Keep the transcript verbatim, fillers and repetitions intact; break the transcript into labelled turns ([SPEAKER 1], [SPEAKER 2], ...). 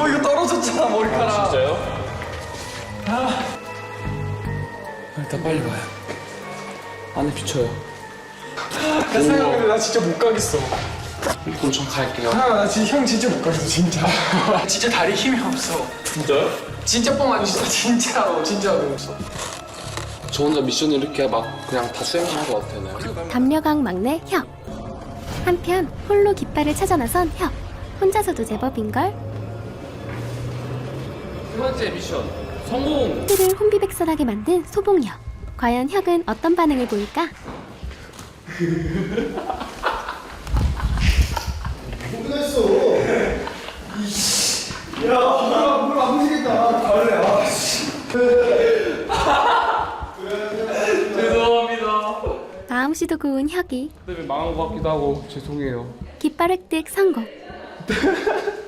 [SPEAKER 1] 어 이거 떨어졌잖아 머리카락.
[SPEAKER 2] 아, 진짜요?
[SPEAKER 1] 아. 일단 빨리 가요. 안에 비쳐요. 나 생각해 나 진짜 못 가겠어.
[SPEAKER 2] 그럼 전 갈게요.
[SPEAKER 1] 아, 나 진짜 형 진짜 못 가겠어 진짜. 진짜 다리 힘이 없어.
[SPEAKER 2] 진짜요?
[SPEAKER 1] 진짜 뻥 아니지 진짜로 진짜로 없어.
[SPEAKER 2] 저 혼자 미션 이렇게 막 그냥 다 수행한 것 같아요.
[SPEAKER 3] 담려강 막내 혁. 한편 홀로 깃발을 찾아 나선 혁. 혼자서도 제법인걸.
[SPEAKER 2] 세 번째 미션 성공!
[SPEAKER 3] 틀을 혼비백산하게 만든 소봉혁. 과연 혁은 어떤 반응을 보일까?
[SPEAKER 2] 죄송합니다.
[SPEAKER 3] 마음씨도 고운 혁이
[SPEAKER 2] 때문에 망한 것 같기도 하고 죄송해요.
[SPEAKER 3] 깃발 획득 성공.